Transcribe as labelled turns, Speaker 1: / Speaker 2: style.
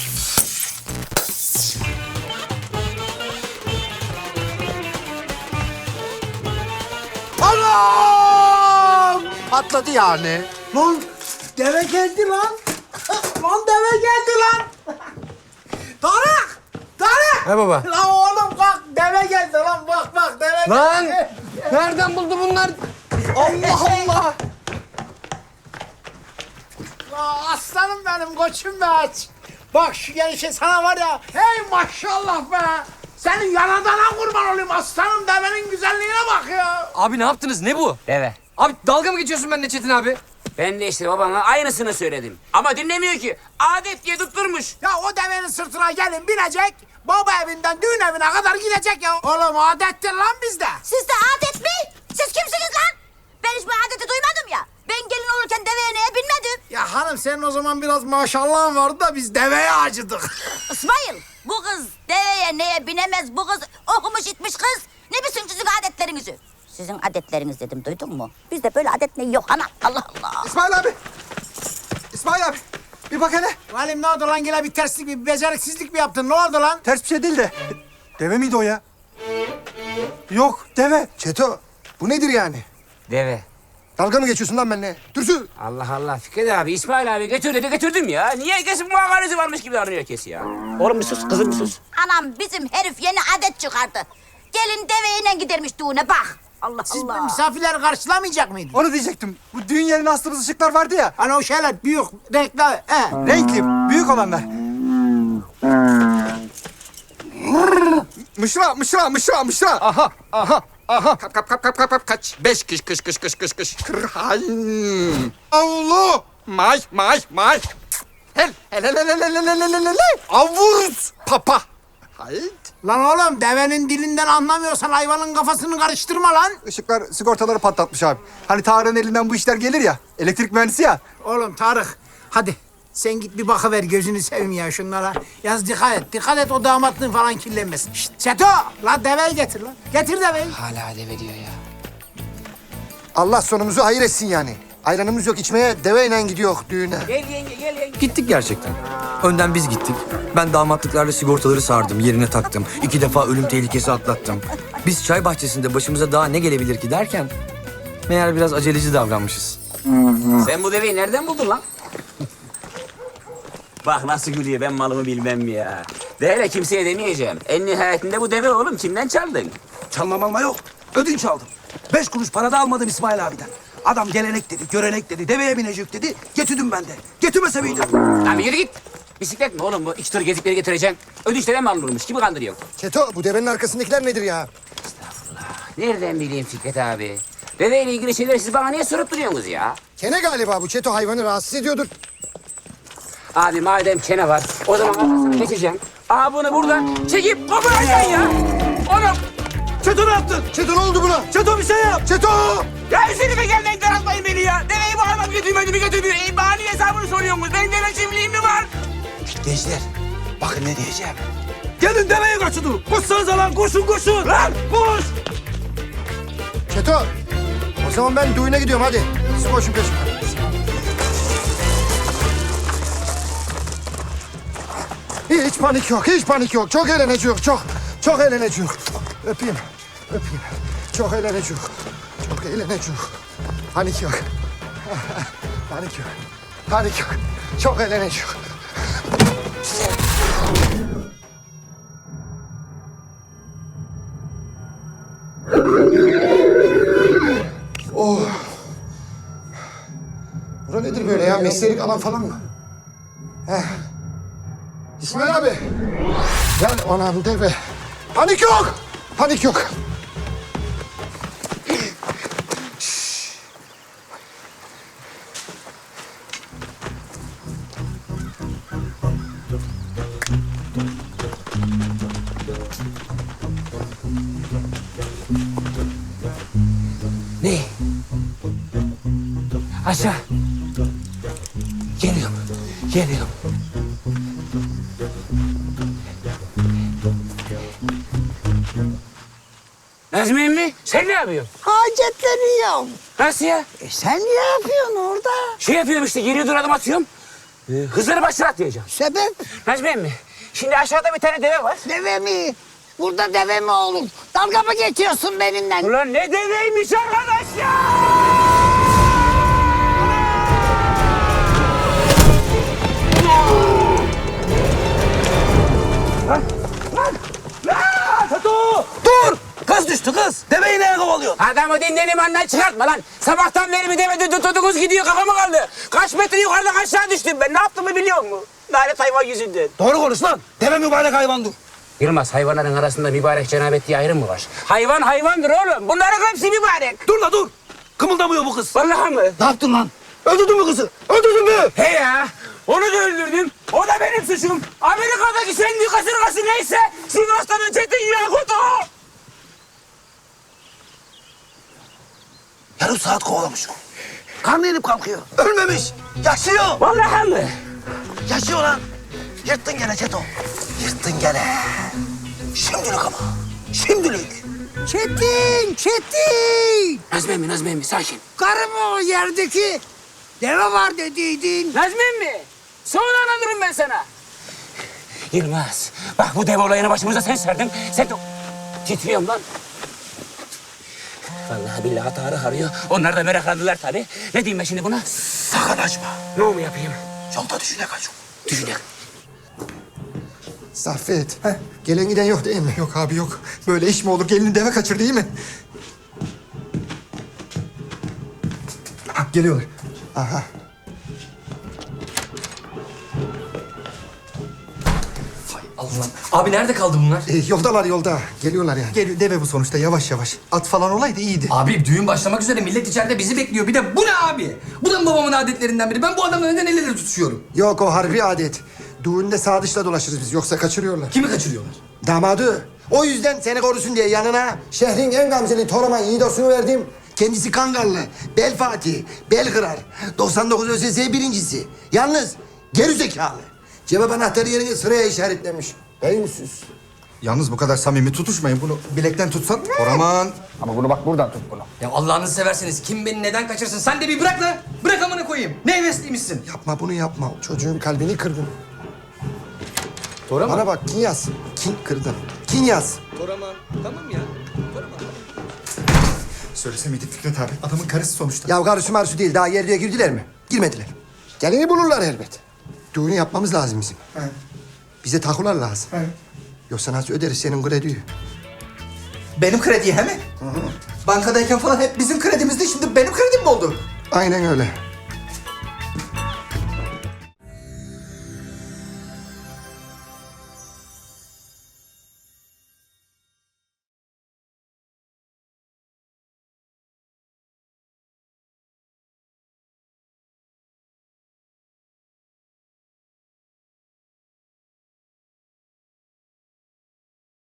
Speaker 1: Anam! Patladı yani.
Speaker 2: Lan deve geldi lan. Lan deve geldi lan. Tarık! Tarık!
Speaker 1: Ne baba?
Speaker 2: Lan oğlum bak deve geldi lan bak deve
Speaker 1: Lan!
Speaker 2: geldi.
Speaker 1: Nereden buldu bunlar? Allah Allah!
Speaker 2: Aa, aslanım benim koçum be aç. Bak şu gelişe sana var ya. Hey maşallah be. Senin yanadana kurban olayım aslanım devenin güzelliğine bak ya.
Speaker 1: Abi ne yaptınız? Ne bu?
Speaker 3: Deve.
Speaker 1: Abi dalga mı geçiyorsun benimle Çetin abi?
Speaker 3: Ben de işte babana aynısını söyledim. Ama dinlemiyor ki. Adet diye tutturmuş.
Speaker 2: Ya o devenin sırtına gelin binecek. Baba evinden düğün evine kadar gidecek ya. Oğlum adettir lan bizde.
Speaker 4: Sizde adet mi? Siz kimsiniz lan? Ben hiç bu adeti duymadım ya. Ben gelin olurken deveye neye binmedim.
Speaker 2: Ya hanım senin o zaman biraz maşallahın vardı da biz deveye acıdık.
Speaker 4: İsmail, bu kız deveye neye binemez. Bu kız okumuş itmiş kız. Ne bilsin sizin adetlerinizi? Sizin adetleriniz dedim, duydun mu? Bizde böyle adet ne yok ana. Allah Allah.
Speaker 1: İsmail abi! İsmail abi! Bir bak hele.
Speaker 2: Valim ne oldu lan yine bir terslik bir beceriksizlik mi yaptın ne oldu lan?
Speaker 5: Ters bir şey değil de. Deve miydi o ya? Yok, deve.
Speaker 1: Çeto, bu nedir yani?
Speaker 3: Deve.
Speaker 1: Dalga mı geçiyorsun lan benimle? Dürsün!
Speaker 3: Allah Allah Fikret abi, İsmail abi götür dedi götürdüm ya. Niye herkesin muhakaresi varmış gibi davranıyor herkes ya? Oğlum bir sus, kızım bir sus.
Speaker 4: Anam bizim herif yeni adet çıkardı. Gelin deveyle gidermiş düğüne bak. Allah
Speaker 2: Siz
Speaker 4: Allah.
Speaker 2: misafirleri karşılamayacak mıydınız?
Speaker 5: Onu diyecektim. Bu düğün yerine astığımız ışıklar vardı ya.
Speaker 2: Hani o şeyler büyük renkli.
Speaker 5: Renkli, büyük olanlar.
Speaker 1: Mışra. Aha. Kap. Kaç. 5 kış. Kırhayn. Avlu. May. Hel. Avuz. Papa. Hayt.
Speaker 2: Lan oğlum devenin dilinden anlamıyorsan hayvanın kafasını karıştırma lan.
Speaker 5: Işıklar sigortaları patlatmış abi. Hani Tarık'ın elinden bu işler gelir ya. Elektrik mühendisi ya.
Speaker 2: Oğlum Tarık hadi sen git bir bakıver gözünü seveyim ya şunlara. Yalnız dikkat et o damatlığın falan kirlenmesin. Şşt Seto lan deveyi getir lan. Getir deveyi.
Speaker 3: Hala deve diyor ya.
Speaker 1: Allah sonumuzu hayır etsin yani. Ayranımız yok içmeye, deveyle gidiyor düğüne.
Speaker 3: Gel yenge.
Speaker 6: Gittik gerçekten. Önden biz gittik. Ben damatlıklarla sigortaları sardım, yerine taktım. 2 defa ölüm tehlikesi atlattım. Biz çay bahçesinde başımıza daha ne gelebilir ki derken... meğer biraz aceleci davranmışız.
Speaker 3: Sen bu deveyi nereden buldun lan? Bak nasıl gülüyor, ben malımı bilmem mi ya. Böyle kimseye demeyeceğim. En nihayetinde bu deve oğlum, kimden çaldın?
Speaker 7: Çalmam yok. Ödünç aldım. 5 kuruş para da almadım İsmail abiden. Adam gelenek dedi, görenek dedi, deveye binecek dedi. Getirdim ben de. Getirmese miydim?
Speaker 3: Lan bir yürü git. Bisiklet mi oğlum bu? 2 tur gezikleri getireceksin. Ödünçten mi alınırmış? Kimi kandırıyorsun?
Speaker 1: Çeto, bu devenin arkasındakiler nedir ya?
Speaker 3: Nereden bileyim Fikret abi? Deveyle ilgili şeyleri siz bana niye sorup duruyorsunuz ya?
Speaker 1: Kene galiba bu. Çeto hayvanı rahatsız ediyordur.
Speaker 3: Abi madem kene var, o zaman arkasını geçeceğim. Aa bunu buradan çekip koparacaksın ya. Oğlum,
Speaker 7: Çeto ne yaptın?
Speaker 1: Çeto ne oldu buna?
Speaker 7: Çeto bir şey yap.
Speaker 1: Çeto!
Speaker 3: ya üzerime gelmeyin, daraltmayın beni ya. Deveyi bu adam götürmedi mi götürmüyor. Bana niye hesabını soruyorsunuz? Benim deve çiftliğim mi var?
Speaker 7: Gençler, bakın ne diyeceğim. Gelin deveye kaçın. Koşsanıza lan, koşun. Lan koş.
Speaker 1: Çeto! O zaman ben düğüne gidiyorum hadi. Siz koşun peşimden. Hiç panik yok. Çok eğleneceğiz, çok eğleneceğiz. Öpeyim. Çok eğleneceğiz. Panik yok. Panik yok. Çok eğleneceğiz. Oh. Bura nedir böyle ya? Mesleğilik alan falan mı? İsmail abi. Gel anam deve. Panik yok.
Speaker 3: Ne? Aşağı. Geliyorum. Nazmi emmi, sen ne yapıyorsun?
Speaker 8: Hacetleniyorum.
Speaker 3: Nasıl ya?
Speaker 8: Sen ne yapıyorsun orada?
Speaker 3: Şey yapıyorum işte, geriye dur adım atıyorum. Hızır'ı başına atlayacağım.
Speaker 2: Sebep?
Speaker 3: Necmi emmi, şimdi aşağıda bir tane deve var.
Speaker 2: Deve mi? Burada deve mi olur? Dalga mı geçiyorsun benimle?
Speaker 3: Ulan ne deveymiş arkadaş ya!
Speaker 7: Dur! Kız düştü kız. Deveyi neye kovalıyorsun?
Speaker 3: Adamı dinlenim andan çıkartma lan. Sabahtan beri bir deve tutudunuz gidiyor kafama kaldı. Kaç metre yukarıdan aşağı düştüm ben. Ne yaptığımı biliyor musun? Lanet hayvan yüzünden.
Speaker 7: Doğru konuş lan. Deve mübarek hayvandır.
Speaker 3: Yılmaz, hayvanların arasında mübarek cenabet diye ayrım mı var? Hayvan hayvandır oğlum. Bunların hepsi mübarek.
Speaker 7: Dur la dur. Kımıldamıyor bu kız.
Speaker 3: Vallahi mı?
Speaker 7: Ne yaptın lan? Öldürdün mü kızı? Öldürdün mü?
Speaker 3: He ya. Onu da öldürdüm. O da benim suçum. Amerika'daki sendi kasırgası neyse Sivas'tan Çetin Yakut o.
Speaker 7: Yarım saat kovalamış. Karnı inip kalkıyor. Ölmemiş. Yaşıyor.
Speaker 3: Vallahi mı?
Speaker 7: Yaşıyor lan. Yırttın gene Çeto. Yırttın gene. Şimdilik ama. Şimdilik.
Speaker 2: Çetin!
Speaker 3: Nazmi emmi sakin.
Speaker 2: Karı mı o yerdeki? Deve var dediydin.
Speaker 3: Nazmi emmi. Sonra anlatırım ben sana. Yılmaz, bak bu dev olayını başımıza sen serdin. Sen de... Titriyorum lan. Vallahi billahi Tarık arıyor. Onlar da meraklandılar tabii. Ne diyeyim ben şimdi buna?
Speaker 7: Sakın açma.
Speaker 3: Ne mu yapayım?
Speaker 7: Yolda düşüne kaç.
Speaker 3: Düşünelim.
Speaker 1: Saffet. Gelen giden yok değil mi?
Speaker 5: Yok abi yok. Böyle iş mi olur? Gelini deve kaçır değil mi? Ha, geliyorlar.
Speaker 1: Aha.
Speaker 6: Allah'ım. Abi nerede kaldı bunlar?
Speaker 1: Yoldalar yolda. Geliyorlar yani.
Speaker 5: Geliyor deve bu sonuçta yavaş yavaş. At falan olaydı iyiydi.
Speaker 6: Abi düğün başlamak üzere, millet içeride bizi bekliyor. Bir de bu ne abi? Bu da mı babamın adetlerinden biri? Ben bu adamla neden el ele tutuşuyorum?
Speaker 1: Yok o harbi adet. Düğünde sağ dışla dolaşırız biz. Yoksa kaçırıyorlar.
Speaker 6: Kimi kaçırıyorlar?
Speaker 1: Damadı. O yüzden seni korusun diye yanına şehrin en gamzeli Toraman Yiğidos'unu verdim. Kendisi Kangallı, bel Fatih, bel kırar. 99 ÖSS birincisi. Yalnız geri zekalı. Cevap anahtarı yerini sıraya işaretlemiş. Beyinsiz.
Speaker 5: Yalnız bu kadar samimi tutuşmayın. Bunu bilekten tutsan. Oraman.
Speaker 1: Ama bunu bak buradan tut bunu.
Speaker 6: Ya Allah'ınızı severseniz kim beni neden kaçırsın? Sen de bir bırak lan. Bırak amına koyayım. Ne hevesliymişsin?
Speaker 1: Yapma bunu yapma. Çocuğun kalbini kırdın.
Speaker 6: Toraman.
Speaker 1: Bana bak kin yaz. Kin kırdın. Kin yaz.
Speaker 6: Toraman. Tamam ya. Toraman.
Speaker 5: Söylese miydik Fikret abi? Adamın karısı sonuçta.
Speaker 1: Ya karısı marsu değil. Daha yerliğe girdiler mi? Girmediler. Gelini bulurlar elbet. Düğünü yapmamız lazım bizim.
Speaker 5: He.
Speaker 1: Bize takular lazım.
Speaker 5: He.
Speaker 1: Yoksa nasıl öderiz senin krediyi?
Speaker 5: Benim krediye he mi? Bankadayken falan hep bizim kredimizdi. Şimdi benim kredim mi oldu?
Speaker 1: Aynen öyle.